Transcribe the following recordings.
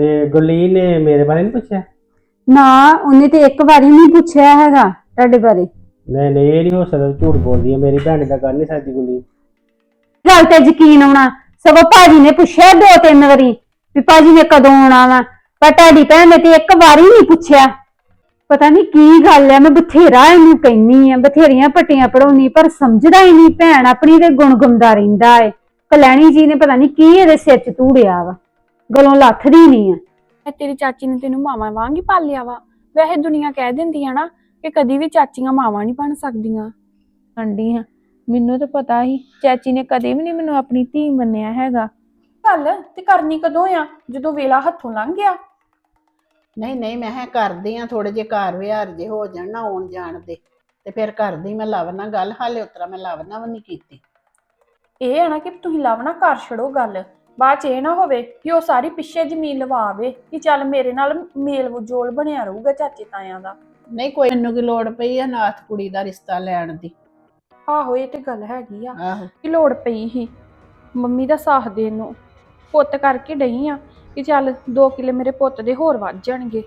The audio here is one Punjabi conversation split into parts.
ਤੇ ਗੁਰਲੀਨ ਨੇ ਮੇਰੇ ਬਾਰੇ ਨਹੀਂ ਪੁੱਛਿਆ? ਨਾ ਉਹਨੇ ਤੇ ਇੱਕ ਵਾਰੀ ਨਹੀਂ ਪੁੱਛਿਆ ਹੈਗਾ ਤੁਹਾਡੇ ਬਾਰੇ। ਨਹੀਂ ਨਹੀਂ, ਇਹ ਨਹੀਂ ਹੋ ਸਕਦਾ, ਝੂਠ ਬੋਲਦੀ ਹੈ, ਮੇਰੀ ਭੈਣ ਦਾ ਕਰ ਨਹੀਂ ਸਕਦੀ ਗੁਰਲੀਨ। ਗੱਲ ਤੇ ਯਕੀਨ ਆਉਣਾ, ਸਗੋਂ ਭਾਜੀ ਨੇ ਪੁੱਛਿਆ 2-3 ਵਾਰੀ ਵੀ ਭਾਜੀ ਨੇ ਕਦੋਂ ਆਉਣਾ ਵਾ, ਪਰ ਤੁਹਾਡੀ ਭੈਣ ਨੇ ਤੇ ਇੱਕ ਵਾਰੀ ਨਹੀਂ ਪੁੱਛਿਆ। ਪਤਾ ਨਹੀਂ ਕੀ ਗੱਲ ਹੈ, ਮੈਂ ਬਥੇਰਾ ਇਹਨੂੰ ਕਹਿੰਨੀ ਆ, ਬਥੇਰੀਆਂ ਪੱਟੀਆਂ ਪੜਾਉਣੀ, ਪਰ ਸਮਝਦਾ ਹੀ ਨਹੀਂ। ਭੈਣ ਆਪਣੀ ਤੇ ਗੁਣਗੁੰਦਾ ਰਹਿੰਦਾ ਏ। ਕਲੈਣੀ ਜੀ ਨੇ ਪਤਾ ਨਹੀਂ ਕੀ ਇਹਦੇ ਸਿਰ 'ਚ ਧੂੜਿਆ ਵਾ, ਗਲੋਂ ਲੱਥਦੀ ਨਹੀਂ ਆ। ਤੇਰੀ ਚਾਚੀ ਨੇ ਤੈਨੂੰ ਮਾਵਾਂ ਵਾਂਗ ਹੀ ਪਾਲਿਆ ਵਾ। ਵੈਸੇ ਦੁਨੀਆ ਕਹਿ ਦਿੰਦੀ ਆ ਨਾ ਕਿ ਕਦੀ ਵੀ ਚਾਚੀਆਂ ਮਾਵਾਂ ਨਹੀਂ ਬਣ ਸਕਦੀਆਂ। ਆਂਡੀ ਹਾਂ, ਮੈਨੂੰ ਤਾਂ ਪਤਾ ਹੀ ਚਾਚੀ ਨੇ ਕਦੇ ਵੀ ਨਹੀਂ ਮੈਨੂੰ ਆਪਣੀ ਧੀ ਮੰਨਿਆ ਹੈਗਾ। ਗੱਲ ਤੇ ਕਰਨੀ ਕਦੋਂ ਆ, ਜਦੋਂ ਵੇਲਾ ਹੱਥੋਂ ਲੰਘ ਗਿਆ। ਨਹੀਂ ਨਹੀਂ, ਮੈਂ ਕਿਹਾ ਕਰਦੀ ਆ, ਥੋੜੇ ਜਿਹੇ ਘਰ ਵਿਹਾਰ ਜੇ ਹੋ ਜਾਣ ਨਾ ਆਉਣ ਜਾਣ ਦੇ, ਤੇ ਫਿਰ ਕਰਦੀ ਮੈਂ ਲਵ ਨਾਲ ਗੱਲ। ਹਾਲੇ ਉਤਰਾ ਮੈਂ ਲਵ ਨਾਲ ਵੀ ਨਹੀਂ ਕੀਤੀ। ਇਹ ਆ ਨਾ ਕਿ ਤੁਸੀਂ ਲਵ ਨਾ ਕਰ ਛੜੋ ਗੱਲ, ਬਾਅਦ ਚ ਇਹ ਨਾ ਹੋਵੇ ਕਿ ਉਹ ਸਾਰੀ ਪਿੱਛੇ ਜ਼ਮੀਨ ਲਵਾਵੇ ਕਿ ਚੱਲ ਮੇਰੇ ਨਾਲ ਮੇਲ ਵਜੋਲ ਬਣਿਆ ਰਹੂਗਾ ਚਾਚੇ ਤਾਇਆਂ ਦਾ। ਨਹੀਂ ਕੋਈ, ਮੈਨੂੰ ਕੀ ਲੋੜ ਪਈ ਆ ਨਾਥ ਕੁੜੀ ਦਾ ਰਿਸ਼ਤਾ ਲੈਣ ਦੀ। ਆਹੋ ਇਹ ਤੇ ਗੱਲ ਹੈਗੀ ਆ ਆਹੋ, ਕਿ ਲੋੜ ਪਈ ਸੀ ਮੰਮੀ ਦਾ ਸਾਥ ਦੇਣ ਨੂੰ। ਪੁੱਤ ਕਰਕੇ ਡਈ ਆ ਕਿ ਚੱਲ 2 ਕਿੱਲੇ ਮੇਰੇ ਪੁੱਤ ਦੇ ਹੋਰ ਵੱਧ ਜਾਣਗੇ।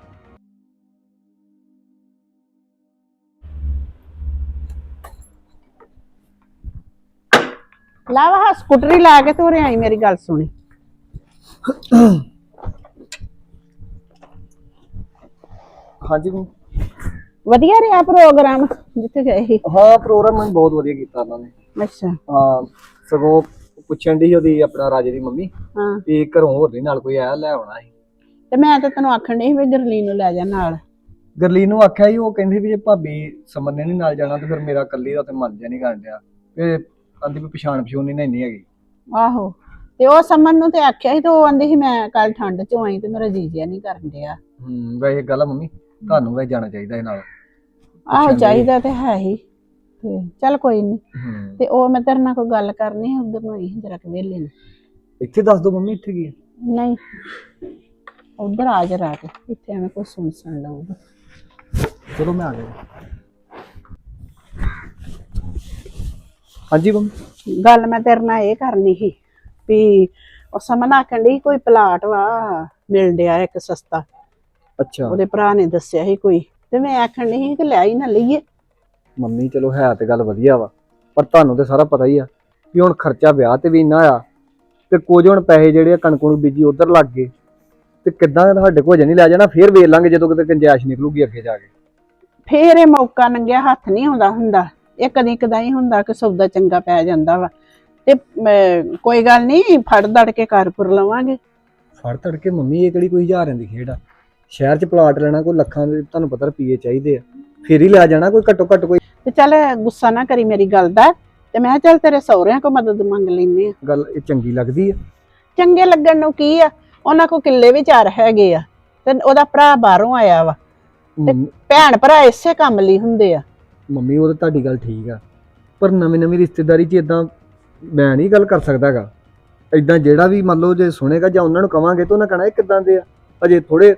ਲਵ ਹਾਂ ਸਕੂਟਰੀ ਲਾ ਕੇ ਤੋਰੇ ਆਈ, ਮੇਰੀ ਗੱਲ ਸੁਣੀ। ਹਾਂਜੀ ਵਧੀਆ ਰਿਹਾ ਪ੍ਰੋਗਰਾਮ ਜਿੱਥੇ ਗਏ ਸੀ? ਹਾਂ, ਪ੍ਰੋਗਰਾਮ ਬਹੁਤ ਵਧੀਆ ਕੀਤਾ ਉਹਨਾਂ ਨੇ। ਅੱਛਾ। ਹਾਂ, ਸਗੋਂ ਪੁੱਛਣ ਦੀ ਉਹਦੀ ਆਪਣਾ ਰਾਜੇ ਦੀ ਮੰਮੀ ਹਾਂ, ਵੀ ਘਰੋਂ ਹੋਰ ਨਹੀਂ ਨਾਲ ਕੋਈ ਆਇਆ, ਲੈ ਆਉਣਾ ਸੀ। ਤੇ ਮੈਂ ਤਾਂ ਤੈਨੂੰ ਆਖਣ ਡਈ ਸੀ ਵੀ ਗਰਲੀਨ ਨੂੰ ਲੈ ਜਾ ਨਾਲ। ਗਰਲੀਨ ਨੂੰ ਆਖਿਆ ਸੀ, ਉਹ ਕਹਿੰਦੀ ਵੀ ਜੇ ਭਾਬੀ ਸਮਨ ਨੇ ਨਹੀਂ ਨਾਲ ਜਾਣਾ ਤੇ ਫਿਰ ਮੇਰਾ ਇਕੱਲੀ ਦਾ ਤੇ ਮਨ ਜਿਹਾ ਨਹੀਂ ਕਰਨ ਡਿਆ, ਤੇ ਕਹਿੰਦੀ ਵੀ ਪਛਾਣ ਨਹੀਂ ਨਾ ਇੰਨੀ ਹੈਗੀ। ਆਹੋ, ਤੇ ਉਹ ਸਮਨ ਨੂੰ ਤੇ ਆਖਿਆ ਸੀ ਤੇ ਉਹ ਆਂਦੀ ਸੀ ਮੈਂ ਕੱਲ ਠੰਡ ਚੋਂ ਆਈ ਤੇ ਮੇਰਾ ਜੀ ਜਿਹਾ ਨਹੀਂ ਕਰਨ ਡਿਆ। ਵੈਸੇ ਗੱਲ ਆ ਮੰਮੀ, ਤੁਹਾਨੂੰ ਵੈਸੇ ਜਾਣਾ ਚਾਹੀਦਾ ਇਹ ਨਾਲ। ਆਹੋ ਚਾਹੀਦਾ ਤੇ ਹੈ ਹੀ, ਤੇ ਚੱਲ ਕੋਈ ਨਹੀਂ। ਤੇ ਉਹ ਮੈਂ ਤੇਰੇ ਨਾਲ ਕੋਈ ਗੱਲ ਕਰਨੀ ਹੈ, ਉਧਰ ਨੂੰ ਆਈ ਜਰਾ ਕਿ ਵੇਲੇ ਨੂੰ। ਇੱਥੇ ਦੱਸ ਦੋ ਮੰਮੀ, ਇੱਥੇ ਕੀ ਹੈ? ਨਹੀਂ ਉਧਰ ਆ ਜਰਾ ਕੇ, ਇੱਥੇ ਐਵੇਂ ਕੋਈ ਸੁਣ ਲਊਗਾ। ਚਲੋ ਮੈਂ ਆ ਗਿਆ। ਹਾਂਜੀ ਮੰਮੀ। ਗੱਲ ਮੈਂ ਤੇਰੇ ਨਾਲ ਇਹ ਕਰਨੀ ਸੀ ਵੀ ਉਹ ਸਮਨ ਆਖਣ ਡਈ ਕੋਈ ਪਲਾਟ ਵਾ ਮਿਲ ਡਿਆ ਇੱਕ ਸਸਤਾ। ਅੱਛਾ। ਉਹਦੇ ਭਰਾ ਨੇ ਦੱਸਿਆ ਸੀ ਕੋਈ, ਤੇ ਮੈਂ ਆਖਣ ਡਈ ਸੀ ਕਿ ਲੈ ਹੀ ਨਾ ਲਈਏ। ਮੰਮੀ ਚਲੋ ਹੈ ਤੇ ਗੱਲ ਵਧੀਆ ਵਾ, ਪਰ ਤੁਹਾਨੂੰ ਤੇ ਸਾਰਾ ਪਤਾ ਹੀ ਆ ਵੀ ਹੁਣ ਖਰਚਾ ਵਿਆਹ ਤੇ ਵੀ ਇੰਨਾ ਆ, ਤੇ ਕੁਝ ਹੁਣ ਪੈਸੇ ਜਿਹੜੇ ਆ ਕਣਕ ਨੂੰ ਬੀਜੀ ਉਧਰ ਲੱਗ ਗਏ, ਤੇ ਕਿੱਦਾਂ ਸਾਡੇ ਕੋਲ ਨਹੀਂ ਲੈ ਜਾਣਾ, ਫੇਰ ਵੇਖ ਲਾਂਗੇ ਜਦੋਂ ਕਿਤੇ ਗੁੰਜਾਇਸ਼ ਨਿਕਲੂਗੀ ਅੱਗੇ ਜਾ ਕੇ। ਫੇਰ ਇਹ ਮੌਕਾ ਨੰਗਿਆ ਹੱਥ ਨਹੀਂ ਆਉਂਦਾ ਹੁੰਦਾ, ਇਹ ਕਦੀ ਕਦਾਈ ਹੁੰਦਾ ਕਿ ਸੌਦਾ ਚੰਗਾ ਪੈ ਜਾਂਦਾ ਵਾ। ਤੇ ਕੋਈ ਗੱਲ ਨਹੀਂ, ਫੜ ਦੜ ਕੇ ਘਰ ਲਵਾਂਗੇ। ਫੜ ਤੜ ਕੇ ਮੰਮੀ, ਇਹ ਕਿਹੜੀ ਕੋਈ ਹਜ਼ਾਰਾਂ ਦੀ ਖੇਡ ਆ? ਸ਼ਹਿਰ 'ਚ ਪਲਾਟ ਲੈਣਾ ਕੋਈ ਲੱਖਾਂ ਦੇ ਤੁਹਾਨੂੰ ਪਤਾ ਰੁਪਈਏ ਚਾਹੀਦੇ ਆ, ਫੇਰ ਹੀ ਲੈ ਜਾਣਾ। ਕੋਈ ਘੱਟੋ ਘੱਟ ਕੋਈ ਤੇ ਚੱਲ ਗੁੱਸਾ ਨਾ ਕਰੀ ਮੇਰੀ ਗੱਲ ਦਾ, ਤੇ ਮੈਂ ਕਿਹਾ ਚੱਲ ਤੇਰੇ ਸਹੁਰਿਆਂ ਕੋਲ ਮਦਦ ਮੰਗ ਲੈਨੇ ਆ। ਗੱਲ ਇਹ ਚੰਗੀ ਲੱਗਦੀ ਆ? ਚੰਗੇ ਲੱਗਣ ਨੂੰ ਕੀ ਆ, ਉਹਨਾਂ ਕੋਲ ਕਿੱਲੇ ਵੀ 4 ਹੈਗੇ ਆ, ਤੇ ਉਹਦਾ ਭਰਾ ਬਾਹਰੋਂ ਆਇਆ ਵਾ, ਤੇ ਭੈਣ ਭਰਾ ਇਸੇ ਕੰਮ ਲਈ ਹੁੰਦੇ ਆ। ਮੰਮੀ ਉਹ ਤਾਂ ਤੁਹਾਡੀ ਗੱਲ ਠੀਕ ਆ, ਪਰ ਨਵੀਂ ਨਵੀਂ ਰਿਸ਼ਤੇਦਾਰੀ 'ਚ ਇਦਾਂ ਮੈਂ ਨਹੀਂ ਗੱਲ ਕਰ ਸਕਦਾ ਗਾ। ਇਦਾਂ ਜਿਹੜਾ ਵੀ ਮੰਨ ਲਓ ਜੇ ਸੁਣੇਗਾ ਜਾਂ ਉਹਨਾਂ ਨੂੰ ਕਵਾਂਗੇ ਤਾਂ ਉਹਨਾਂ ਕਹਿਣਾ ਇਹ ਕਿੱਦਾਂ ਦੇ ਆ, ਅਜੇ ਥੋੜੇ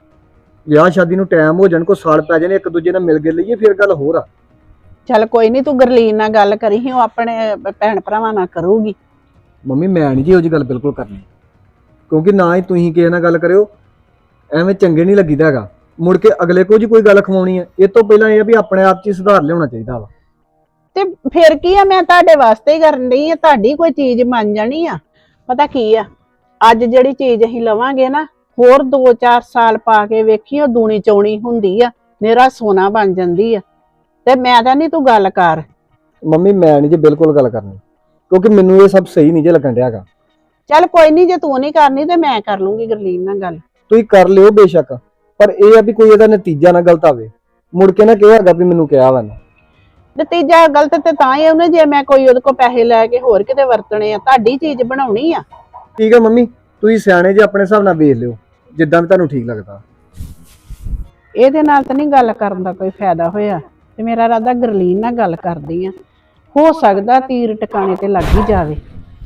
ਵਿਆਹ ਸ਼ਾਦੀ ਨੂੰ ਟਾਈਮ ਹੋ ਜਾਣ, ਕੋਈ ਸਾਲ ਪੈ ਜਾਣੇ, ਇੱਕ ਦੂਜੇ ਨਾਲ ਮਿਲ ਕੇ ਲਈਏ, ਫਿਰ ਗੱਲ ਹੋਰ ਆ। ਚੱਲ ਕੋਈ ਨਹੀਂ, ਤੂੰ ਗਰਲੀਨ ਨਾਲ ਗੱਲ ਕਰੀ ਸੀ, ਉਹ ਆਪਣੇ ਭੈਣ ਭਰਾਵਾਂ ਨਾਲ ਕਰੂਗੀ। ਮੰਮੀ ਮੈਂ ਨਹੀਂ ਜੀ ਇਹੋ ਜਿਹੀ ਗੱਲ ਬਿਲਕੁਲ ਕਰਨੀ, ਕਿਉਂਕਿ ਨਾ ਹੀ ਤੁਸੀਂ ਕਿਸੇ ਨਾਲ ਗੱਲ ਕਰਿਓ, ਐਵੇਂ ਚੰਗੇ ਨਹੀਂ ਲੱਗੀਦਾ ਹੈਗਾ। ਮੁੜ ਕੇ ਅਗਲੇ ਕੋ ਜੀ ਕੋਈ ਗੱਲ ਖਵਾਉਣੀ ਹੈ, ਇਹ ਤੋਂ ਪਹਿਲਾਂ ਇਹ ਆ ਵੀ ਆਪਣੇ ਆਪ 'ਚ ਹੀ ਸੁਧਾਰ ਲਿਆਉਣਾ ਚਾਹੀਦਾ ਵਾ। ਤੇ ਫਿਰ ਕੀ ਆ, ਮੈਂ ਤੁਹਾਡੇ ਵਾਸਤੇ ਹੀ ਕਰਨ ਡਈ ਆ, ਤੁਹਾਡੀ ਕੋਈ ਚੀਜ਼ ਬਣ ਜਾਣੀ ਆ। ਪਤਾ ਕੀ ਆ, ਅੱਜ ਜਿਹੜੀ ਚੀਜ਼ ਅਸੀਂ ਲਵਾਂਗੇ ਨਾ, ਹੋਰ 2-4 ਸਾਲ ਪਾ ਕੇ ਵੇਖੀ ਉਹ ਦੂਣੀ ਚੌਣੀ ਹੁੰਦੀ ਆ, ਮੇਰਾ ਸੋਨਾ ਬਣ ਜਾਂਦੀ ਆ। ਤੇ ਮੈਂ ਤਾਂ ਨਹੀਂ, ਤੂੰ ਗੱਲ ਕਰ। ਮੰਮੀ ਮੈਂ ਨਹੀਂ ਜੀ ਬਿਲਕੁਲ ਗੱਲ ਕਰਨੀ, ਕਿਉਂਕਿ ਮੈਨੂੰ ਇਹ ਸਭ ਸਹੀ ਨਹੀਂ ਜੇ ਲੱਗਣ ਡਿਆ ਹੈਗਾ। ਚੱਲ ਕੋਈ ਨਹੀਂ, ਜੇ ਤੂੰ ਨਹੀਂ ਕਰਨੀ ਤੇ ਮੈਂ ਕਰ ਲੂੰਗੀ ਗਰਲੀਨ ਨਾਲ ਗੱਲ। ਤੁਸੀਂ ਕਰ ਲਿਓ ਬੇਸ਼ੱਕ, ਪਰ ਇਹ ਆ ਵੀ ਕੋਈ ਇਹਦਾ ਨਤੀਜਾ ਨਾ ਗਲਤ ਆਵੇ, ਮੁੜ ਕੇ ਨਾ ਕਿਹਾ ਹੈਗਾ ਵੀ ਮੈਨੂੰ ਕਿਹਾ ਵਾ ਨਾ। ਨਤੀਜਾ ਗਲਤ ਤੇ ਤਾਂ ਹੀ ਉਹਨੇ, ਜੇ ਮੈਂ ਕੋਈ ਉਹਦੇ ਕੋਲ ਪੈਸੇ ਲੈ ਕੇ ਹੋਰ ਕਿਤੇ ਵਰਤਣੇ ਆ, ਤੁਹਾਡੀ ਚੀਜ਼ ਬਣਾਉਣੀ ਆ। ਠੀਕ ਆ ਮੰਮੀ, ਤੁਸੀਂ ਸਿਆਣੇ ਜੇ ਆਪਣੇ ਹਿਸਾਬ ਨਾਲ ਵੇਖ ਲਿਓ, ਜਿੱਦਾਂ ਵੀ ਤੁਹਾਨੂੰ ਠੀਕ ਲੱਗਦਾ। ਇਹਦੇ ਨਾਲ ਤਾਂ ਨਹੀਂ ਗੱਲ ਕਰਨ ਦਾ ਕੋਈ ਫਾਇਦਾ ਹੋਇਆ, ਤੇ ਮੇਰਾ ਇਰਾਦਾ ਗਰਲੀਨ ਨਾਲ ਗੱਲ ਕਰਦੀ ਆ, ਹੋ ਸਕਦਾ ਤੀਰ ਟਿਕਾਣੇ ਤੇ ਲੱਗ ਹੀ ਜਾਵੇ।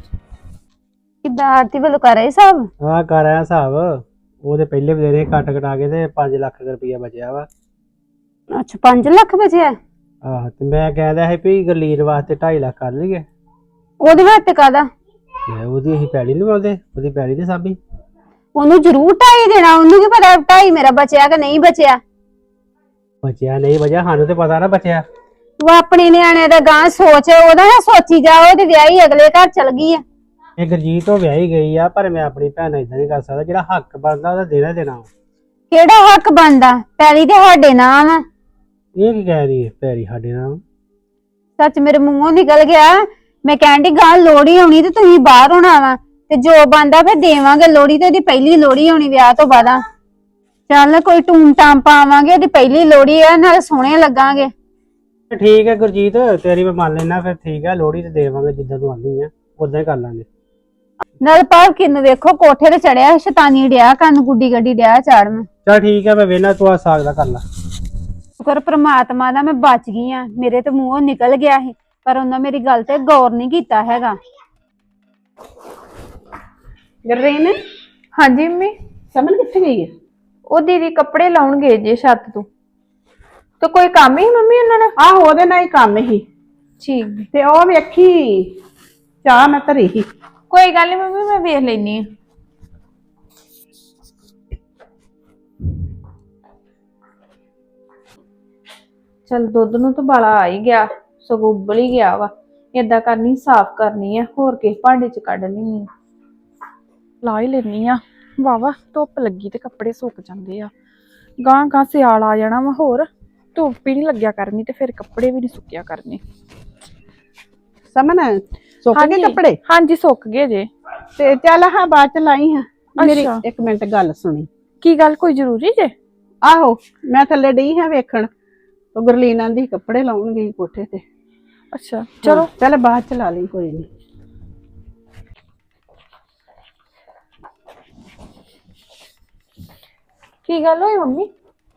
ਕਿੱਦਾਂ ਆਰਤੀ ਵੱਲੋਂ ਕਰ ਰਹੇ ਸਭ? ਹਾਂ ਕਰ ਆਇਆ ਹਿਸਾਬ, ਉਹਦੇ ਪਹਿਲੇ ਬਥੇਰੇ ਕੱਟ ਕਟਾ ਕੇ ਤੇ 5 ਲੱਖ ਰੁਪਈਆ ਬਚਿਆ ਵਾ। ਅੱਛਾ 5 ਲੱਖ ਬਚਿਆ? ਆਹ ਤੇ ਮੈਂ ਕਹਿੰਦਾ ਸੀ ਵੀ ਗਰਲੀਨ ਵਾਸਤੇ 2.5 ਲੱਖ ਕਰ ਲਈਏ। ਉਹਦੇ ਵਾਸਤੇ ਕਾਹਦਾ? ਉਹਦੀ ਅਸੀਂ ਪੈਲੀ ਨਹੀਂ ਬੋਲਦੇ, ਉਹਦੀ ਪੈਲੀ ਦੇ ਸਾਬੀ। ਉਹਨੂੰ ਜ਼ਰੂਰ 2.5 ਦੇਣਾ। ਉਹਨੂੰ ਕੀ ਪਤਾ 2.5 ਮੇਰਾ ਬਚਿਆ ਕਿ ਨਹੀਂ ਬਚਿਆ। ਬਚਿਆ ਨਹੀਂ ਬਚਿਆ ਸਾਨੂੰ ਤੇ ਪਤਾ ਨਾ ਬਚਿਆ। ਤੂੰ ਆਪਣੇ ਨਿਆਣੇ ਦਾ ਗਾਂ ਸੋਚ, ਉਹਦਾ ਨਾ ਸੋਚੀ ਜਾ। ਉਹਦੇ ਵਿਆਹੀ ਅਗਲੇ ਘਰ ਚਲ ਗਈ ਆ। ਇਹ ਗੁਰਜੀਤ ਤੋਂ ਵਿਆਹੀ ਗਈ ਆ, ਪਰ ਮੈਂ ਆਪਣੀ ਭੈਣ ਨਾਲ ਇਦਾਂ ਨਹੀਂ ਕਰ ਸਕਦਾ। ਜਿਹੜਾ ਹੱਕ ਬਣਦਾ ਉਹਦਾ ਦੇਣਾ ਦੇਣਾ। ਕਿਹੜਾ ਹੱਕ ਬਣਦਾ? ਪੈਲੀ ਤੇ ਸਾਡੇ ਨਾਮ ਆ। ਇਹ ਕੀ ਕਹਿ ਰਹੀ ਹੈ ਪੈਰੀ ਸਾਡੇ ਨਾਲ? ਸੱਚ ਮੇਰੇ ਮੂੰਹੋਂ ਨਿਕਲ ਗਿਆ। ਮੈਂ ਕਹਿਣ ਦੀ ਗਾਂ ਲੋਹੜੀ ਆਉਣੀ ਤੇ ਤੁਸੀਂ ਬਾਹਰ ਹੋਣਾ ਵਾ, ਤੇ ਜੋ ਬੰਦਾ ਫਿਰ ਦੇਵਾਂਗੇ। ਲੋਹੜੀ ਤੇ ਉਹਦੀ ਪਹਿਲੀ ਲੋਹੜੀ ਹੋਣੀ ਵਿਆਹ ਤੋਂ ਬਾਅਦ। ਚੱਲ ਕੋਈ ਟੂਮ ਟਾਮ ਪਾਵਾਂਗੇ, ਉਹਦੀ ਪਹਿਲੀ ਲੋਹੜੀ ਆ, ਨਾਲ ਸੋਹਣੇ ਲੱਗਾਂਗੇ। ਠੀਕ ਹੈ ਗੁਰਜੀਤ, ਤੇਰੀ ਮੈਂ ਮੰਨ ਲੈਣਾ। ਫਿਰ ਠੀਕ ਹੈ, ਲੋਹੜੀ ਤੇ ਦੇਵਾਂਗੇ ਜਿੱਦਾਂ ਤੂੰ ਆਂਦੀ ਆ ਉਦਾਂ ਹੀ ਕਰ ਲਾਂਗੇ। ਨਾਲ ਭਾਵ ਕਿਨੂੰ ਵੇਖੋ ਕੋਠੇ ਤੇ ਚੜਿਆ, ਸ਼ੈਤਾਨੀ ਡਿਆ ਕੰਨ ਗੁੱਡੀ ਗੱਡੀ ਡਿਆ ਚਾੜਨ। ਚਲ ਠੀਕ ਹੈ, ਮੈਂ ਵੇਖਣਾ ਤੂੰ ਆ ਸਾਗ ਦਾ ਕਰ ਲਾ। ਸ਼ੁਕਰ ਪ੍ਰਮਾਤਮਾ ਦਾ ਮੈਂ ਬਚ ਗਈ ਆ। ਮੇਰੇ ਤੇ ਮੂੰਹੋਂ ਨਿਕਲ ਗਿਆ ਸੀ, ਪਰ ਉਹਨਾਂ ਮੇਰੀ ਗੱਲ ਤੇ ਗੌਰ ਨਹੀਂ ਕੀਤਾ ਹੈਗਾ। ਗਰਰੀਨ, ਹਾਂਜੀ ਮੰਮੀ। ਸਮਨ ਕਿੱਥੇ ਗਈ ਹੈ? ਉਹ ਦੀਦੀ ਕੱਪੜੇ ਲਾਉਣ ਗਏ ਜੇ ਛੱਤ ਤੋਂ। ਤੇ ਕੋਈ ਕੰਮ ਹੀ ਮੰਮੀ ਉਹਨਾਂ ਨਾਲ? ਆਹੋ ਉਹਦੇ ਨਾਲ ਹੀ ਕੰਮ ਹੀ। ਠੀਕ। ਤੇ ਉਹ ਵੇਖੀ ਚਾਹ ਮੈਂ ਧਰੀ ਸੀ। ਕੋਈ ਗੱਲ ਨਹੀਂ ਮੰਮੀ, ਮੈਂ ਵੇਖ ਲੈਣੀ ਆ। ਚਲ ਦੁੱਧ ਨੂੰ ਤਾਂ ਬਾਲਾ ਆ ਹੀ ਗਿਆ, ਸਗੋਂ ਉਬਲ ਹੀ ਗਿਆ ਵਾ। ਏਦਾਂ ਕਰਨੀ, ਸਾਫ਼ ਕਰਨੀ ਆ, ਹੋਰ ਕਿਸੇ ਭਾਂਡੇ ਚ ਕੱਢ ਲੈਣੀ। ਲਾ ਹੀ ਲੈਣੀ ਆ। ਵਾਵਾ ਧੁੱਪ ਲੱਗੀ ਤੇ ਕੱਪੜੇ ਸੁੱਕ ਜਾਂਦੇ ਆ। ਗਾਂ ਗਾਂ ਸਿਆਲ ਆ ਜਾਣਾ ਵਾ, ਹੋਰ ਧੁੱਪ ਹੀ ਨਹੀਂ ਲੱਗਿਆ ਕਰਨੀ ਤੇ ਫਿਰ ਕੱਪੜੇ ਵੀ ਨਹੀਂ ਸੁੱਕਿਆ ਕਰਨੇ। ਸਮਨ ਸੁੱਕ ਗਏ ਕੱਪੜੇ? ਹਾਂਜੀ ਸੁੱਕ ਗਏ ਜੇ। ਤੇ ਚੱਲ ਹਾਂ ਬਾਅਦ ਚ ਲਾਈ ਹਾਂ। ਮੇਰੀ ਅੱਛਾ। 1 ਮਿੰਟ ਗੱਲ ਸੁਣੀ। ਕੀ ਗੱਲ, ਕੋਈ ਜ਼ਰੂਰੀ ਜੇ? ਆਹੋ ਮੈਂ ਥੱਲੇ ਡਈ ਹਾਂ ਵੇਖਣ, ਉਹ ਗੁਰਲੀਨ ਆਂਦੀ ਕੱਪੜੇ ਲਾਉਣ ਗਈ ਕੋਠੇ ਤੇ। ਅੱਛਾ ਚਲੋ। ਚੱਲ ਬਾਅਦ ਚ ਲਾ ਲਈ, ਕੋਈ ਨਹੀਂ। ਕੀ ਗੱਲ ਹੋਈ ਮੰਮੀ?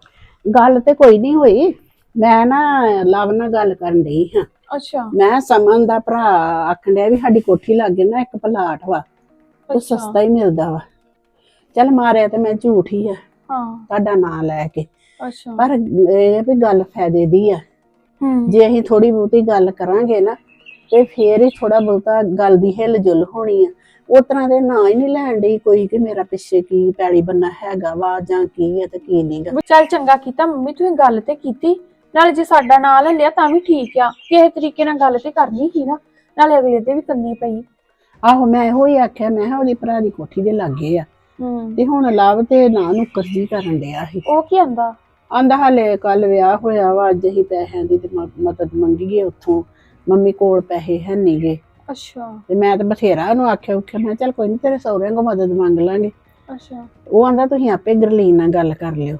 ਗੱਲ ਤੇ ਕੋਈ ਨਹੀਂ ਹੋਈ। ਮੈਂ ਨਾ ਲਵ ਨਾਲ ਗੱਲ ਕਰਨ ਡਈ ਹਾਂ। ਅੱਛਾ। ਮੈਂ ਸਮਨ ਦਾ ਭਰਾ ਆਖਣ ਡਿਆ ਵੀ ਸਾਡੀ ਕੋਠੀ ਲਾਗੇ ਨਾ ਇੱਕ ਪਲਾਟ ਵਾ, ਉਹ ਸਸਤਾ ਹੀ ਮਿਲਦਾ ਵਾ। ਚੱਲ ਮਾਰਿਆ ਤੇ ਮੈਂ ਝੂਠ ਹੀ ਆ ਹਾਂ। ਤੁਹਾਡਾ ਨਾਂ ਲੈ ਕੇ, ਅੱਛਾ। ਪਰ ਇਹ ਵੀ ਗੱਲ ਫਾਇਦੇ ਦੀ ਆ। ਹੂੰ। ਜੇ ਅਸੀਂ ਥੋੜੀ ਬਹੁਤੀ ਗੱਲ ਕਰਾਂਗੇ ਨਾ ਤੇ ਫੇਰ ਹੀ ਥੋੜਾ ਬਹੁਤਾ ਗੱਲ ਦੀ ਹਿੱਲ ਜੁਲ ਹੋਣੀ ਆ। ਉਸ ਤਰ੍ਹਾਂ ਦੇ ਨਾਂ ਹੀ ਨਹੀਂ ਲੈਣ ਡਈ ਕੋਈ ਕਿ ਮੇਰਾ ਪਿੱਛੇ ਕੀ ਪੈਲੀ ਬੰਨਾ ਹੈਗਾ ਵਾ ਜਾਂ ਕੀ ਹੈ ਤੇ ਕੀ ਨਹੀਂਗਾ। ਚੱਲ ਚੰਗਾ ਕੀਤਾ ਮੰਮੀ, ਤੁਸੀਂ ਗੱਲ ਤੇ ਕੀਤੀ। ਨਾਲੇ ਜੇ ਸਾਡਾ ਨਾਂ ਲੈ ਲਿਆ ਤਾਂ ਵੀ ਠੀਕ ਆ। ਕਿਸੇ ਤਰੀਕੇ ਨਾਲ ਗੱਲ ਤੇ ਕਰਨੀ ਸੀ ਨਾ, ਨਾਲੇ ਅਗਲੇ ਤੇ ਵੀ ਕਰਨੀ ਪਈ। ਆਹੋ ਮੈਂ ਇਹੋ ਹੀ ਆਖਿਆ, ਮੈਂ ਕਿਹਾ ਉਹਦੀ ਭਰਾ ਦੀ ਕੋਠੀ ਦੇ ਲਾਗੇ ਆ। ਹੂੰ। ਤੇ ਹੁਣ ਲਵ ਤੇ ਨਾ ਨੁੱਕਰ ਜੀ ਕਰਨ ਡਿਆ ਸੀ। ਉਹ ਕੀ ਆਂਦਾ? ਆਂਦਾ ਹਾਲੇ ਕੱਲ ਵਿਆਹ ਹੋਇਆ ਵਾ, ਅੱਜ ਹੀ ਪੈਸਿਆਂ ਦੀ ਤੇ ਮਦਦ ਮੰਗੀਏ ਉੱਥੋਂ, ਮੰਮੀ ਕੋਲ ਪੈਸੇ ਹੈ ਨਹੀਂਗੇ। ਅੱਛਾ। ਤੇ ਮੈਂ ਤਾਂ ਬਥੇਰਾ ਉਹਨੂੰ ਆਖਿਆ ਮੈਂ ਕਿਹਾ ਚੱਲ ਕੋਈ ਨੀ, ਤੇਰੇ ਸਹੁਰਿਆਂ ਕੋਲ ਮਦਦ ਮੰਗ ਲਾਂਗੇ। ਅੱਛਾ। ਉਹ ਆਂਦਾ ਤੁਸੀਂ ਆਪੇ ਗਰਲੀਨ ਨਾਲ ਗੱਲ ਕਰ ਲਿਓ।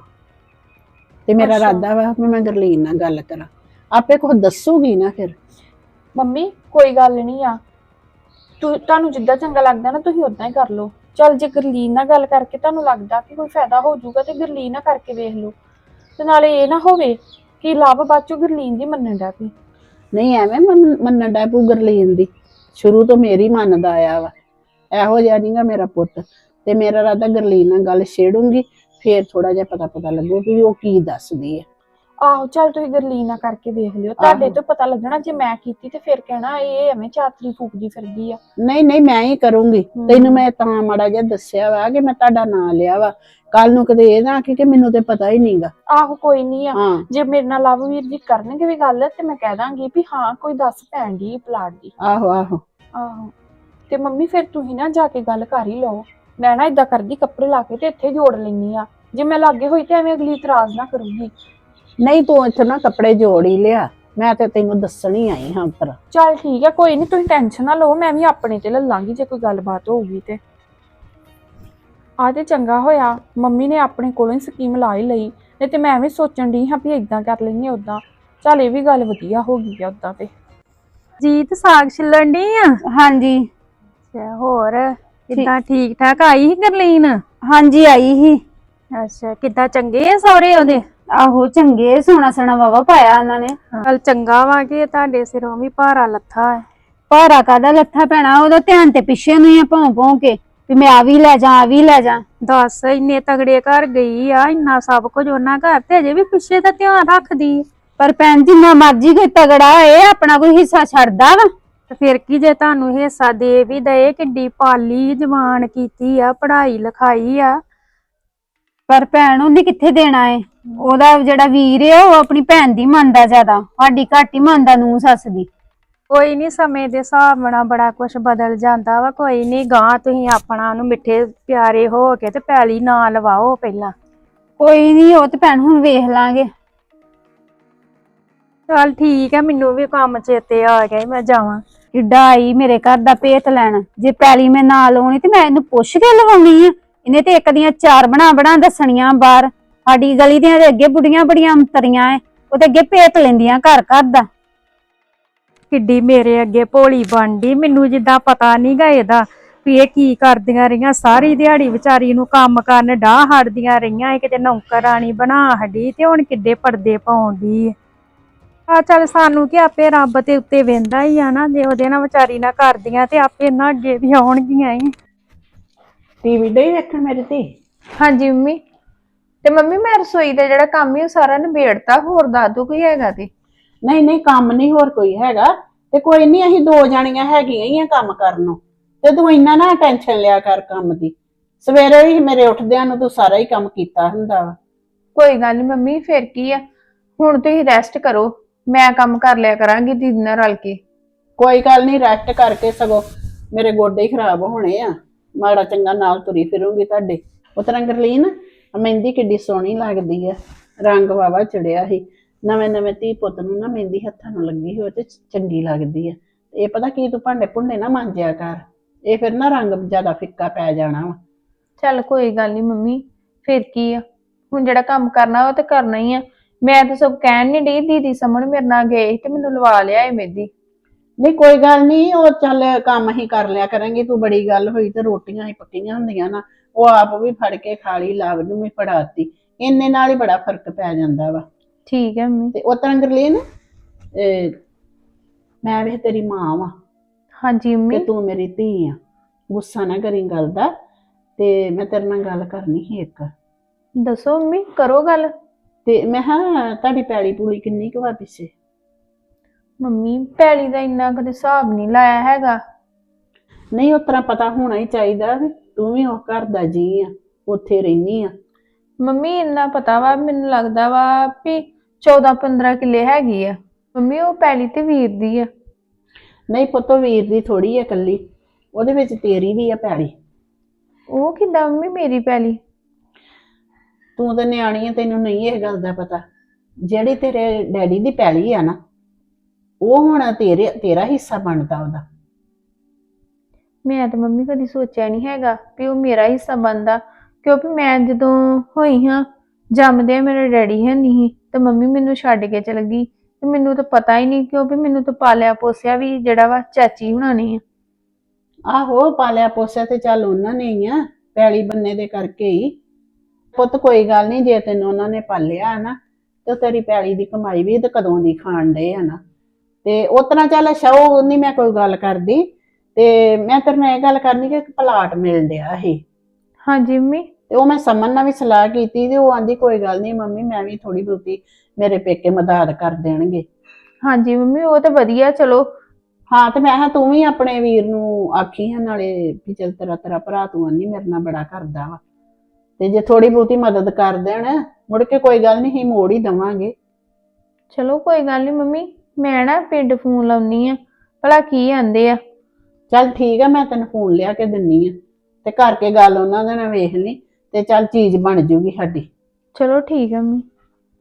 ਤੇ ਮੇਰਾ ਅੱਛਾ। ਇਰਾਦਾ ਵਾ ਵੀ ਮੈਂ ਗਰਲੀਨ ਨਾਲ ਗੱਲ ਕਰਾਂ, ਆਪੇ ਕੁਝ ਦੱਸੂਗੀ ਨਾ ਫਿਰ। ਮੰਮੀ ਕੋਈ ਗੱਲ ਨਹੀਂ ਆ, ਤੁਹਾਨੂੰ ਜਿੱਦਾਂ ਚੰਗਾ ਲੱਗਦਾ ਨਾ ਤੁਸੀਂ ਉਦਾਂ ਹੀ ਕਰ ਲਓ। ਚੱਲ ਜੇ ਗਰਲੀਨ ਨਾਲ ਗੱਲ ਕਰਕੇ ਤੁਹਾਨੂੰ ਲੱਗਦਾ ਕਿ ਕੋਈ ਫਾਇਦਾ ਹੋ ਜਾਊਗਾ ਤੇ ਗਰਲੀਨ ਨਾਲ ਕਰਕੇ ਵੇਖ ਲਓ। ਤੇ ਨਾਲੇ ਇਹ ਨਾ ਹੋਵੇ ਕਿ ਲਵ ਬਾਅਦ ਚੋਂ ਗਰਲੀਨ ਦੀ ਮੰਨਣ ਡੈ ਪਈ। ਨਹੀਂ ਐਵੇਂ ਮੰਨਣ ਡੈ ਪਊ ਗਰਲੀਨ ਦੀ, ਸ਼ੁਰੂ ਤੋਂ ਮੇਰੀ ਮੰਨਦਾ ਆਇਆ ਵਾ। ਇਹੋ ਜਿਹਾ ਨਹੀਂਗਾ ਮੇਰਾ ਪੁੱਤ। ਤੇ ਮੇਰਾ ਇਰਾਦਾ ਗਰਲੀਨ ਨਾਲ ਗੱਲ ਛੇੜੂੰਗੀ, ਫੇਰ ਥੋੜਾ ਜਿਹਾ ਪਤਾ ਲੱਗੂ ਵੀ ਉਹ ਕੀ ਦੱਸਦੀ ਹੈ। ਆਹੋ ਚੱਲ ਤੁਸੀਂ ਗਰਲੀਨ ਨਾਲ ਕਰਕੇ ਵੇਖ ਲਿਓ, ਤੁਹਾਡੇ ਤੋਂ ਪਤਾ ਲੱਗਣਾ। ਜੇ ਮੈਂ ਕੀਤੀ ਤੇ ਫਿਰ ਕਹਿਣਾ ਇਹ ਐਵੇਂ ਚਾਤਰੀ ਫੂਕਦੀ ਫਿਰਦੀ ਆ। ਨਹੀਂ ਨਹੀਂ ਮੈਂ ਹੀ ਕਰੂੰਗੀ। ਤੈਨੂੰ ਮੈਂ ਤਾਂ ਮਾੜਾ ਜਿਹਾ ਦੱਸਿਆ ਵਾ ਕਿ ਮੈਂ ਤੁਹਾਡਾ ਨਾਂ ਲਿਆ ਵਾ, ਕੱਲ ਨੂੰ ਕਦੇ ਇਹ ਨਾ ਆਖੀ ਕਿ ਮੈਨੂੰ ਤੇ ਪਤਾ ਹੀ ਨਹੀਂਗਾ। ਆਹੋ ਕੋਈ ਨਹੀਂ ਆ। ਹਾਂ ਜੇ ਮੇਰੇ ਨਾਲ ਲਵ ਵੀਰ ਜੀ ਕਰਨਗੇ ਵੀ ਗੱਲ ਤੇ ਮੈਂ ਕਹਿ ਦਾਂਗੀ ਵੀ ਹਾਂ ਕੋਈ ਦੱਸ ਪੈਣ ਦੀ ਪਲਾਟ ਦੀ। ਆਹੋ ਆਹੋ ਆਹੋ ਤੇ ਮੰਮੀ ਫਿਰ ਤੁਸੀਂ ਨਾ ਜਾ ਕੇ ਗੱਲ ਕਰ ਹੀ ਲਓ। ਮੈਂ ਨਾ ਇਦਾਂ ਕਰਦੀ, ਕੱਪੜੇ ਲਾ ਕੇ ਤੇ ਇੱਥੇ ਜੋੜ ਲੈਣੀ ਆ। ਜੇ ਮੈਂ ਲਾਗੇ ਹੋਈ ਤੇ ਐਵੇਂ ਅਗਲੀ ਇਤਰਾਜ਼ ਨਾ ਕਰੂਗੀ। ਨਹੀਂ ਤੂੰ ਇੱਥੇ ਨਾ ਕੱਪੜੇ ਜੋੜ ਹੀ ਲਿਆ, ਮੈਂ ਤੇ ਤੈਨੂੰ ਦੱਸਣ ਹੀ ਆਈ ਹਾਂ ਉੱਪਰ। ਚੱਲ ਠੀਕ ਆ, ਕੋਈ ਨਹੀਂ ਤੁਸੀਂ ਟੈਨਸ਼ਨ ਨਾ ਲਓ, ਮੈਂ ਵੀ ਆਪਣੇ ਤੇ ਲੈ ਲਾਂਗੀ ਜੇ ਕੋਈ ਗੱਲਬਾਤ ਹੋਊਗੀ ਤੇ। ਆ ਤੇ ਚੰਗਾ ਹੋਇਆ ਮੰਮੀ ਨੇ ਆਪਣੇ ਕੋਲੋਂ ਹੀ ਸਕੀਮ ਲਾ ਹੀ ਲਈ, ਨਹੀਂ ਤੇ ਮੈਂ ਐਵੇਂ ਸੋਚਣ ਦੀ ਹਾਂ ਵੀ ਇਦਾਂ ਕਰ ਲੈਂਦੇ ਉਦਾਂ। ਚੱਲ ਇਹ ਵੀ ਗੱਲ ਵਧੀਆ ਹੋ ਗਈ ਆ ਉਦਾਂ ਤੇ। ਜੀਤ ਸਾਗ ਛਿੱਲਣ ਡਈ ਆ? ਹਾਂਜੀ। ਅੱਛਾ ਹੋਰ ਕਿੱਦਾਂ, ਠੀਕ ਠਾਕ ਆਈ ਸੀ ਗਰਲੀਨ? ਹਾਂਜੀ ਆਈ ਸੀ। ਅੱਛਾ ਕਿੱਦਾਂ, ਚੰਗੇ ਆ ਸਹੁਰੇ ਉਹਦੇ? ਆਹੋ ਚੰਗੇ, ਸੋਹਣਾ ਸੋਹਣਾ ਵਾਵਾ ਪਾਇਆ ਉਹਨਾਂ ਨੇ। ਚੱਲ ਚੰਗਾ ਵਾ ਕਿ ਤੁਹਾਡੇ ਸਿਰੋਂ ਵੀ ਭਾਰਾ ਲੱਥਾ ਹੈ। ਭਾਰਾ ਕਾਦਾ ਲੱਥਾ ਪੈਣਾ, ਉਹਦਾ ਧਿਆਨ ਤੇ ਪਿੱਛੇ ਨੂੰ ਹੀ ਆ, ਭੌਂ ਕੇ ਵੀ ਮੈਂ ਆ ਵੀ ਲੈ ਜਾ ਆ ਵੀ ਲੈ ਜਾ। ਦੱਸ ਇੰਨੇ ਤਗੜੇ ਘਰ ਗਈ ਆ, ਇੰਨਾ ਸਭ ਕੁਝ ਉਹਨਾਂ ਘਰ, ਤੇ ਅਜੇ ਵੀ ਪਿੱਛੇ ਦਾ ਧਿਆਨ ਰੱਖਦੀ। ਪਰ ਭੈਣ ਜਿੰਨਾ ਮਰਜੀ ਕੋਈ ਤਗੜਾ ਹੋਏ ਆਪਣਾ ਕੋਈ ਹਿੱਸਾ ਛੱਡਦਾ ਵਾ। ਤੇ ਫਿਰ ਕੀ ਜੇ ਤੁਹਾਨੂੰ ਹਿੱਸਾ ਦੇ ਵੀ ਦਏ, ਕਿੱਡੀ ਪਾਲੀ ਜਵਾਨ ਕੀਤੀ ਆ, ਪੜ੍ਹਾਈ ਲਿਖਾਈ ਆ। ਪਰ ਭੈਣ ਉਹਨੇ ਕਿੱਥੇ ਦੇਣਾ ਏ? ਉਹਦਾ ਜਿਹੜਾ ਵੀਰ ਏ ਉਹ ਆਪਣੀ ਭੈਣ ਦੀ ਮੰਨਦਾ ਜ਼ਿਆਦਾ, ਸਾਡੀ ਘੱਟ ਹੀ ਮੰਨਦਾ ਨੂੰ ਸੱਸ ਦੀ। ਕੋਈ ਨਹੀਂ, ਸਮੇਂ ਦੇ ਹਿਸਾਬ ਨਾਲ ਬੜਾ ਕੁਝ ਬਦਲ ਜਾਂਦਾ ਵਾ। ਕੋਈ ਨਹੀਂ, ਗਾਂ ਤੁਸੀਂ ਆਪਣਾ ਉਹਨੂੰ ਮਿੱਠੇ ਪਿਆਰੇ ਹੋ ਕੇ ਤੇ ਪੈਲੀ ਨਾ ਲਵਾਓ ਪਹਿਲਾਂ। ਕੋਈ ਨਹੀਂ, ਉਹ ਤੇ ਭੈਣ ਹੁਣ ਵੇਖ ਲਾਂਗੇ। ਚੱਲ ਠੀਕ ਹੈ, ਮੈਨੂੰ ਵੀ ਕੰਮ ਚੇਤੇ ਆ ਗਿਆ, ਮੈਂ ਜਾਵਾਂ। ਕਿੱਡਾ ਆਈ ਮੇਰੇ ਘਰ ਦਾ ਭੇਤ ਲੈਣ। ਜੇ ਪੈਲੀ ਮੈਂ ਨਾ ਲਾਉਣੀ ਤੇ ਮੈਂ ਇਹਨੂੰ ਪੁੱਛ ਕੇ ਲਵਾਉਣੀ ਆ। ਇਹਨੇ ਤੇ ਇੱਕ ਦੀਆਂ ਚਾਰ ਬਣਾ ਦੱਸਣੀਆਂ ਬਾਹਰ। ਸਾਡੀ ਗਲੀ ਦੀਆਂ ਦੇ ਅੱਗੇ ਬੁੜੀਆਂ ਬੜੀਆਂ ਅੰਤਰੀਆਂ ਐ, ਉਹ ਤੇ ਅੱਗੇ ਭੇਤ ਲੈਂਦੀਆਂ ਘਰ ਘਰ ਦਾ। ਕਿੱਡੀ ਮੇਰੇ ਅੱਗੇ ਭੋਲੀ ਬਣਦੀ, ਮੈਨੂੰ ਜਿੱਦਾਂ ਪਤਾ ਨੀ ਗਾ ਇਹਦਾ ਵੀ ਇਹ ਕੀ ਕਰਦੀਆਂ ਰਹੀਆਂ। ਸਾਰੀ ਦਿਹਾੜੀ ਵਿਚਾਰੀ ਨੂੰ ਕੰਮ ਕਰਨ ਡਾਹ ਹੜਦੀਆਂ ਰਹੀਆਂ, ਇਹ ਕਿਤੇ ਨੌਕਰਾਣੀ ਬਣਾ ਹੱਡੀ ਤੇ ਹੁਣ ਕਿੱਡੇ ਪਰਦੇ ਪਾਉਂਦੀ ਆ। ਚੱਲ ਸਾਨੂੰ ਕੀ, ਆਪੇ ਰੱਬ ਤੇ ਉੱਤੇ ਵਹਿੰਦਾ ਹੀ ਆ ਨਾ। ਜੇ ਉਹਦੇ ਨਾਲ ਵਿਚਾਰੀ ਨਾਲ ਕਰਦੀਆਂ ਤੇ ਆਪੇ ਨਾ ਅੱਗੇ ਵੀ ਆਉਣਗੀਆਂ ਹੀ। ਟੀਵੀ ਡੇ ਵੇਖਣ ਮੇਰੇ ਤੇ। ਹਾਂਜੀ ਮੰਮੀ। ਤੇ ਮੰਮੀ ਮੈਂ ਰਸੋਈ ਦਾ ਜਿਹੜਾ ਕੰਮ ਹੀ ਉਹ ਸਾਰਾ ਨਿਬੇੜਤਾ, ਹੋਰ ਦੱਸ ਦੋ ਕੋਈ ਹੈਗਾ ਤੇ। ਨਹੀਂ ਨਹੀਂ, ਕੰਮ ਨਹੀਂ ਹੋਰ ਕੋਈ ਹੈਗਾ। ਤੇ ਕੋਈ ਨਹੀਂ, ਅਸੀਂ ਦੋ ਜਾਣੀਆਂ ਹੈਗੀਆਂ ਹੀ ਆ ਕੰਮ ਕਰਨ ਨੂੰ। ਤੇ ਤੂੰ ਇੰਨਾ ਨਾ ਟੈਨਸ਼ਨ ਲਿਆ ਕਰ ਕੰਮ ਦੀ। ਸਵੇਰੇ ਹੀ ਮੇਰੇ ਉੱਠਦਿਆਂ ਨੂੰ ਤੂੰ ਸਾਰਾ ਹੀ ਕੰਮ ਕੀਤਾ ਹੁੰਦਾ ਵਾ। ਕੋਈ ਗੱਲ ਨਹੀਂ ਮੰਮੀ, ਫਿਰ ਕੀ ਆ, ਹੁਣ ਤੁਸੀਂ ਰੈਸਟ ਕਰੋ, ਮੈਂ ਕੰਮ ਕਰ ਲਿਆ ਕਰਾਂਗੀ ਦੀਦੀ ਨਾਲ ਰਲ ਕੇ। ਕੋਈ ਗੱਲ ਨਹੀਂ, ਰੈਸਟ ਕਰਕੇ ਸਗੋਂ ਮੇਰੇ ਗੋਡੇ ਹੀ ਖਰਾਬ ਹੋਣੇ ਆ। ਮਾੜਾ ਚੰਗਾ ਨਾਲ ਤੁਰੀ ਫਿਰੂੰਗੀ ਤੁਹਾਡੇ। ਉਹ ਤਰ੍ਹਾਂ ਗਰਲੀਨ, ਮਹਿੰਦੀ ਕਿੱਡੀ ਸੋਹਣੀ ਲੱਗਦੀ ਆ, ਰੰਗ ਵਾਵਾ ਚੜਿਆ ਸੀ। ਨਵੇਂ ਨਵੇਂ ਧੀ ਪੁੱਤ ਨੂੰ ਨਾ ਮਹਿੰਦੀ ਹੱਥਾਂ ਨੂੰ ਲੱਗੀ ਹੋਵੇ ਤੇ ਚੰਗੀ ਲੱਗਦੀ ਆ। ਇਹ ਪਤਾ ਕੀ, ਤੂੰ ਭਾਂਡੇ ਭੁੰਡੇ ਨਾ ਮਾਂਜਿਆ ਕਰ, ਇਹ ਫਿਰ ਨਾ ਰੰਗ ਜ਼ਿਆਦਾ ਫਿੱਕਾ ਪੈ ਜਾਣਾ ਵਾ। ਚੱਲ ਕੋਈ ਗੱਲ ਨਹੀਂ ਮੰਮੀ, ਫਿਰ ਕੀ ਆ, ਹੁਣ ਜਿਹੜਾ ਕੰਮ ਕਰਨਾ ਉਹ ਤੇ ਕਰਨਾ ਹੀ ਆ। ਮੈਂ ਤਾਂ ਸਭ ਕਹਿਣ ਨਹੀਂ ਡਈ, ਦੀਦੀ ਸਮਣ ਮੇਰੇ ਨਾਲ ਗਏ ਤੇ ਮੈਨੂੰ ਲਵਾ ਲਿਆ ਏ ਮਹਿੰਦੀ। ਨਹੀਂ ਕੋਈ ਗੱਲ ਨਹੀਂ, ਉਹ ਚੱਲ ਕੰਮ ਹੀ ਕਰ ਲਿਆ ਕਰਾਂਗੇ। ਤੂੰ ਬੜੀ ਗੱਲ ਹੋਈ ਤੇ ਰੋਟੀਆਂ ਹੀ ਪੱਕੀਆਂ ਹੁੰਦੀਆਂ ਨਾ, ਉਹ ਆਪ ਵੀ ਫੜ ਕੇ ਖਾ ਲਈ, ਲਾਭ ਨੂੰ ਵੀ ਫੜਾਤੀ। ਇੰਨੇ ਨਾਲ ਹੀ ਬੜਾ ਫਰਕ ਪੈ ਜਾਂਦਾ ਵਾ। ਠੀਕ ਹੈ ਮੰਮੀ। ਤੇ ਉਹ ਤਰ੍ਹਾਂ ਗਰਲੀਨ, ਮੈਂ ਵੀ ਤੇਰੀ ਮਾਂ ਵਾਂ ਹਾਂਜੀ ਮੰਮੀ। ਤੇ ਤੂੰ ਮੇਰੀ ਧੀ ਆ। ਗੁੱਸਾ ਨਾ ਕਰੀ ਗੱਲ ਦਾ। ਤੇ ਮੈਂ ਤੇਰੇ ਨਾਲ ਗੱਲ ਕਰਨੀ ਸੀ ਇੱਕ। ਦੱਸੋ ਮੰਮੀ, ਕਰੋ ਗੱਲ। ਤੇ ਮੈਂ ਹਾਂ, ਤੁਹਾਡੀ ਪੈਲੀ ਪੂਲੀ ਕਿੰਨੀ ਕੁ ਵਾ ਪਿੱਛੇ? ਮੰਮੀ ਪੈਲੀ ਦਾ ਇੰਨਾ ਕਦੇ ਹਿਸਾਬ ਨਹੀਂ ਲਾਇਆ ਹੈਗਾ। ਨਹੀਂ, ਉਸ ਤਰ੍ਹਾਂ ਪਤਾ ਹੋਣਾ ਹੀ ਚਾਹੀਦਾ ਵੀ ਤੂੰ ਵੀ ਉਹ ਘਰ ਦਾ ਜੀ ਆ, ਉੱਥੇ ਰਹਿਨੀ ਆ। ਮੰਮੀ ਇੰਨਾ ਪਤਾ ਵਾ, ਮੈਨੂੰ ਲੱਗਦਾ ਵਾ ਵੀ 14-15 ਕਿੱਲੇ ਹੈਗੀ ਆ। ਮੰਮੀ ਉਹ ਪੈਲੀ ਤੇ ਵੀਰ ਦੀ ਆ। ਨਹੀਂ ਪੁੱਤੋ, ਵੀਰ ਦੀ ਥੋੜੀ ਆ ਇਕੱਲੀ, ਉਹਦੇ ਵਿੱਚ ਤੇਰੀ ਵੀ ਆ ਪੈਲੀ। ਉਹ ਕਿੱਦਾਂ ਮੰਮੀ ਮੇਰੀ ਪੈਲੀ? ਤੂੰ ਤਾਂ ਨਿਆਣੀ ਆ, ਤੈਨੂੰ ਨਹੀਂ ਇਹ ਗੱਲ ਦਾ ਪਤਾ। ਜਿਹੜੀ ਤੇਰੇ ਡੈਡੀ ਦੀ ਪੈਲੀ ਆ ਨਾ, ਉਹ ਹੁਣ ਤੇਰਾ ਹਿੱਸਾ ਬਣਦਾ ਉਹਦਾ। ਮੈਂ ਤਾਂ ਮੰਮੀ ਕਦੀ ਸੋਚਿਆ ਨਹੀਂ ਹੈਗਾ ਵੀ ਉਹ ਮੇਰਾ ਹਿੱਸਾ ਬਣਦਾ, ਕਿਉਂਕਿ ਮੈਂ ਜਦੋਂ ਹੋਈ ਹਾਂ ਜੰਮਦੇ ਮੇਰੇ ਡੈਡੀ ਹੈ ਨਹੀਂ ਤੇ ਮੰਮੀ ਮੈਨੂੰ ਛੱਡ ਕੇ ਚਲ ਗਈ ਤੇ ਮੈਨੂੰ ਤਾਂ ਪਤਾ ਹੀ ਨਹੀਂ, ਕਿਉਂਕਿ ਮੈਨੂੰ ਤਾਂ ਪਾਲਿਆ ਪੋਸਿਆ ਵੀ ਜਿਹੜਾ ਵਾ ਚਾਚੀ ਹੁਣਾਂ ਨੇ ਆ। ਆਹੋ, ਪਾਲਿਆ ਪੋਸਿਆ ਤੇ ਚੱਲ ਉਹਨਾਂ ਨੇ ਹੀ ਆ, ਪੈਲੀ ਬੰਨੇ ਦੇ ਕਰਕੇ ਹੀ। ਪੁੱਤ ਕੋਈ ਗੱਲ ਨਹੀਂ, ਜੇ ਤੈਨੂੰ ਉਹਨਾਂ ਨੇ ਪਾਲਿਆ ਨਾ ਤੇ ਤੇਰੀ ਪੈਲੀ ਦੀ ਕਮਾਈ ਵੀ ਤੇ ਕਦੋਂ ਦੀ ਖਾਣ ਡਏ ਆ ਨਾ। ਤੇ ਉਸ ਤਰ੍ਹਾਂ ਚੱਲ ਸ਼ਾਉ ਨਹੀਂ ਮੈਂ ਕੋਈ ਗੱਲ ਕਰਦੀ। ਤੇ ਮੈਂ ਤੇਰੇ ਨਾਲ ਇਹ ਗੱਲ ਕਰਨੀ ਕਿ ਇੱਕ ਪਲਾਟ ਮਿਲ ਡਿਆ ਸੀ। ਹਾਂਜੀ ਮੰਮੀ। ਤੇ ਉਹ ਮੈਂ ਸਮਨ ਨਾਲ ਵੀ ਸਲਾਹ ਕੀਤੀ ਤੇ ਉਹ ਆਂਦੀ ਕੋਈ ਗੱਲ ਨਹੀਂ ਮੰਮੀ, ਮੈਂ ਵੀ ਥੋੜੀ ਬਹੁਤੀ ਮੇਰੇ ਪੇਕੇ ਮਦਦ ਕਰ ਦੇਣਗੇ। ਹਾਂਜੀ ਮੰਮੀ, ਉਹ ਤਾਂ ਵਧੀਆ। ਚਲੋ ਹਾਂ, ਤੇ ਮੈਂ ਕਿਹਾ ਤੂੰ ਵੀ ਆਪਣੇ ਵੀਰ ਨੂੰ ਆਖੀ ਹੈ ਨਾਲੇ ਵੀ ਚੱਲ ਤੇਰਾ ਭਰਾ ਤੂੰ ਆਨੀ ਮੇਰੇ ਨਾਲ ਬੜਾ ਕਰਦਾ ਵਾ, ਤੇ ਜੇ ਥੋੜੀ ਬਹੁਤੀ ਮਦਦ ਕਰ ਦੇਣ ਮੁੜ ਕੇ ਕੋਈ ਗੱਲ ਨਹੀਂ, ਮੋੜ ਹੀ ਦੇਵਾਂਗੇ। ਚਲੋ ਕੋਈ ਗੱਲ ਨਹੀਂ ਮੰਮੀ, ਮੈਂ ਨਾ ਪਿੰਡ ਫੋਨ ਲਾਉਣੀ ਆ, ਭਲਾ ਕੀ ਆਂਦੇ ਆ। ਚੱਲ ਠੀਕ ਆ, ਮੈਂ ਤੈਨੂੰ ਫੋਨ ਲਿਆ ਕੇ ਦਿੰਨੀ ਆ ਤੇ ਕਰਕੇ ਗੱਲ ਉਹਨਾਂ ਦੇ ਨਾਲ ਵੇਖ ਲਈ ਤੇ ਚੱਲ ਚੀਜ਼ ਬਣ ਜੂਗੀ ਸਾਡੀ। ਚਲੋ ਠੀਕ ਹੈ ਮੰਮੀ।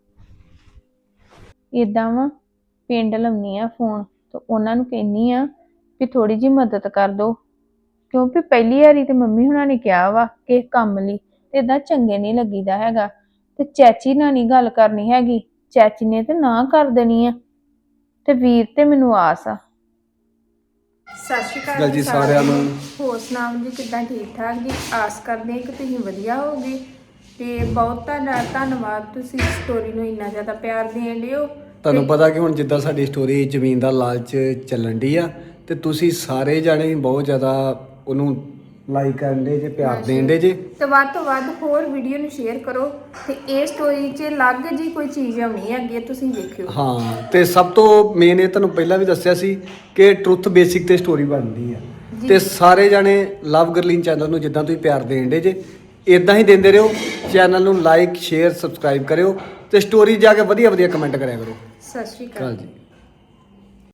ਏਦਾਂ ਵਾ, ਪਿੰਡ ਲਾਉਣੀ ਆ ਫੋਨ ਤੇ ਉਹਨਾਂ ਨੂੰ ਕਹਿੰਨੀ ਆ ਵੀ ਥੋੜੀ ਜਿਹੀ ਮਦਦ ਕਰ ਦੋ, ਕਿਉਂਕਿ ਪਹਿਲੀ ਵਾਰੀ ਤੇ ਮੰਮੀ ਹੁਣਾਂ ਨੇ ਕਿਹਾ ਵਾ ਕਿ ਕੰਮ ਲਈ ਤੇ ਏਦਾਂ ਚੰਗੇ ਨਹੀਂ ਲੱਗੀਦਾ ਹੈਗਾ। ਤੇ ਚਾਚੀ ਨਾਲ ਨਹੀਂ ਗੱਲ ਕਰਨੀ ਹੈਗੀ, ਚਾਚੀ ਨੇ ਤੇ ਨਾ ਕਰ ਦੇਣੀ ਆ। ਤੇ ਵੀਰ ਤੇ ਮੈਨੂੰ ਆਸ ਆ। ਸਤਿ ਸ਼੍ਰੀ ਅਕਾਲ ਜੀ ਸਾਰਿਆਂ ਨੂੰ। ਹੋਰ ਸੁਣਾਓ ਜੀ, ਕਿੱਦਾਂ? ਠੀਕ ਠਾਕ ਜੀ। ਆਸ ਕਰਦੇ ਹਾਂ ਕਿ ਤੁਸੀਂ ਵਧੀਆ ਹੋਗੇ ਤੇ ਬਹੁਤ ਤੁਹਾਡਾ ਧੰਨਵਾਦ, ਤੁਸੀਂ ਸਟੋਰੀ ਨੂੰ ਇੰਨਾ ਜ਼ਿਆਦਾ ਪਿਆਰ ਦੇਣ ਲਿਓ। ਤੁਹਾਨੂੰ ਪਤਾ ਕਿ ਹੁਣ ਜਿੱਦਾਂ ਸਾਡੀ ਸਟੋਰੀ ਜ਼ਮੀਨ ਦਾ ਲਾਲਚ ਚੱਲਣ ਦੀ ਆ ਤੇ ਤੁਸੀਂ ਸਾਰੇ ਜਾਣੇ ਬਹੁਤ ਜ਼ਿਆਦਾ ਉਹਨੂੰ ਲਾਈਕ ਕਰਨ ਦੇ ਜੇ, ਪਿਆਰ ਦੇਣ ਦੇ ਜੇ। ਤੇ ਵੱਧ ਤੋਂ ਵੱਧ ਹੋਰ ਵੀਡੀਓ ਨੂੰ ਸ਼ੇਅਰ ਕਰੋ ਤੇ ਇਹ ਸਟੋਰੀ 'ਚ ਅਲੱਗ ਜੀ ਕੋਈ ਚੀਜ਼ ਆਉਣੀ ਹੈ ਅੱਗੇ ਤੁਸੀਂ ਵੇਖਿਓ। ਹਾਂ, ਤੇ ਸਭ ਤੋਂ ਮੇਨ ਇਹ ਤੁਹਾਨੂੰ ਪਹਿਲਾਂ ਵੀ ਦੱਸਿਆ ਸੀ ਕਿ ਟਰੁੱਥ ਬੇਸਿਕ ਤੇ ਸਟੋਰੀ ਬਣਦੀ ਆ, ਤੇ ਸਾਰੇ ਜਾਣੇ ਲਵ ਗਰਲੀਨ ਚੈਨਲ ਨੂੰ ਜਿੱਦਾਂ ਤੁਸੀਂ ਪਿਆਰ ਦੇਣ ਦੇ ਜੇ ਇਦਾਂ ਹੀ ਦਿੰਦੇ ਰਹੋ। ਚੈਨਲ ਨੂੰ ਲਾਈਕ, ਸ਼ੇਅਰ, ਸਬਸਕ੍ਰਾਈਬ ਕਰਿਓ ਤੇ ਸਟੋਰੀ ਜਾ ਕੇ ਵਧੀਆ ਵਧੀਆ ਕਮੈਂਟ ਕਰਿਆ ਕਰੋ। ਸਤਿ ਸ਼੍ਰੀ ਅਕਾਲ ਜੀ।